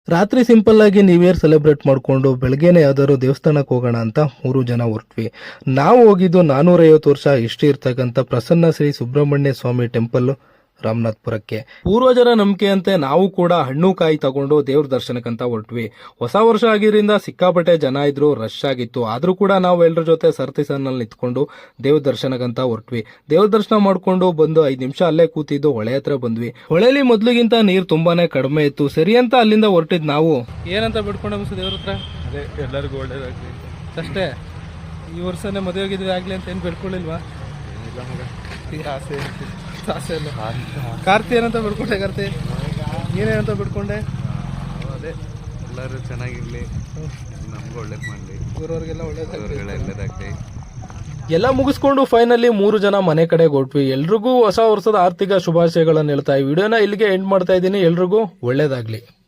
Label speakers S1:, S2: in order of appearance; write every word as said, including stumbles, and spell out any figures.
S1: ರಾತ್ರಿ ಸಿಂಪಲ್ ಆಗಿ new year celebrate ಮಾಡ್ಕೊಂಡು ಬೆಳಗ್ಗೆನೆ ಯಾವ್ದಾದ್ರು ದೇವಸ್ಥಾನಕ್ಕೆ ಹೋಗೋಣ ಅಂತ ಮೂರು ಜನ ಹೊರಟ್ವಿ. ನಾವು ಹೋಗಿದ್ದು ನಾನೂರೈವತ್ತು ವರ್ಷ ಹಿಸ್ಟ್ರಿ ಇರ್ತಕ್ಕಂಥ ಪ್ರಸನ್ನ ಶ್ರೀ ಸುಬ್ರಹ್ಮಣ್ಯ ಸ್ವಾಮಿ ಟೆಂಪಲ್ ರಾಮನಾಥ್ಪುರಕ್ಕೆ. ಪೂರ್ವಜರ ನಂಬಿಕೆಯಂತೆ ನಾವು ಕೂಡ ಹಣ್ಣು ಕಾಯಿ ತಗೊಂಡು ದೇವ್ರ ದರ್ಶನಕ್ಕಂತ ಹೊರಟ್ವಿ. ಹೊಸ ವರ್ಷ ಆಗಿದ್ರಿಂದ ಸಿಕ್ಕಾಪಟ್ಟೆ ಜನ ಇದ್ರು, ರಶ್ ಆಗಿತ್ತು. ಆದ್ರೂ ಕೂಡ ನಾವು ಎಲ್ಲರ ಜೊತೆ ಸರ್ತಿ ಸನ್ನಲ್ಲಿ ನಿಂತ್ಕೊಂಡು ದೇವ್ರ ದರ್ಶನಕ್ಕಂತ ಹೊರಟ್ವಿ. ದೇವ್ರ ದರ್ಶನ ಮಾಡ್ಕೊಂಡು ಬಂದು ಐದ್ ನಿಮಿಷ ಅಲ್ಲೇ ಕೂತಿದ್ದು ಹೊಳೆ ಹತ್ರ ಬಂದ್ವಿ. ಹೊಳೆಲಿ ಮೊದ್ಲಿಗಿಂತ ನೀರ್ ತುಂಬಾನೇ ಕಡಿಮೆ ಇತ್ತು. ಸರಿ ಅಂತ ಅಲ್ಲಿಂದ ಹೊರಟಿದ್ ನಾವು. ಏನಂತ ಬಿಡ್ಕೊಂಡ ಅನ್ಸು ದೇವ್ರ ಹತ್ರ?
S2: ಅದೇ ಎಲ್ಲರಿಗೂ ಒಳ್ಳೇದಾಗ್ಲಿ
S1: ಅಷ್ಟೇ. ಈ ವರ್ಷನೇ ಮದುವೆ ಆಗಿದ್ವಿ ಆಗ್ಲಿ ಅಂತ ಏನ್ ಬಿಡ್ಕೊಳ್ಳಿಲ್ವಾ?
S2: ಆಸೆ
S1: ಆಸೆ ಇಲ್ಲ. ಕಾರ್ತಿ ಏನಂತ ಬಿಡ್ಕೊಂಡೆ? ಕಾರ್ತಿ ನೀನೇನಂತ ಬಿಡ್ಕೊಂಡೆ?
S2: ಅದೇ ಎಲ್ಲರೂ ಚೆನ್ನಾಗಿರ್ಲಿ, ನಮ್ಗೆ ಒಳ್ಳೇದು ಮಾಡಲಿ,
S1: ಊರವ್ರಿಗೆಲ್ಲ ಒಳ್ಳೇದಾಗ್ಲಿ.
S2: ಒಳ್ಳೇದಾಗ್ಲಿ.
S1: ಎಲ್ಲ ಮುಗಿಸ್ಕೊಂಡು ಫೈನಲಿ ಮೂರು ಜನ ಮನೆ ಕಡೆ ಹೊರಟ್ವಿ. ಎಲ್ರಿಗೂ ಹೊಸ ವರ್ಷದ ಆರ್ಥಿಕ ಶುಭಾಶಯಗಳನ್ನು ಹೇಳ್ತಾ ಈ ವಿಡಿಯೋನ ಇಲ್ಲಿಗೆ ಎಂಡ್ ಮಾಡ್ತಾ ಇದ್ದೀನಿ. ಎಲ್ರಿಗೂ ಒಳ್ಳೇದಾಗ್ಲಿ.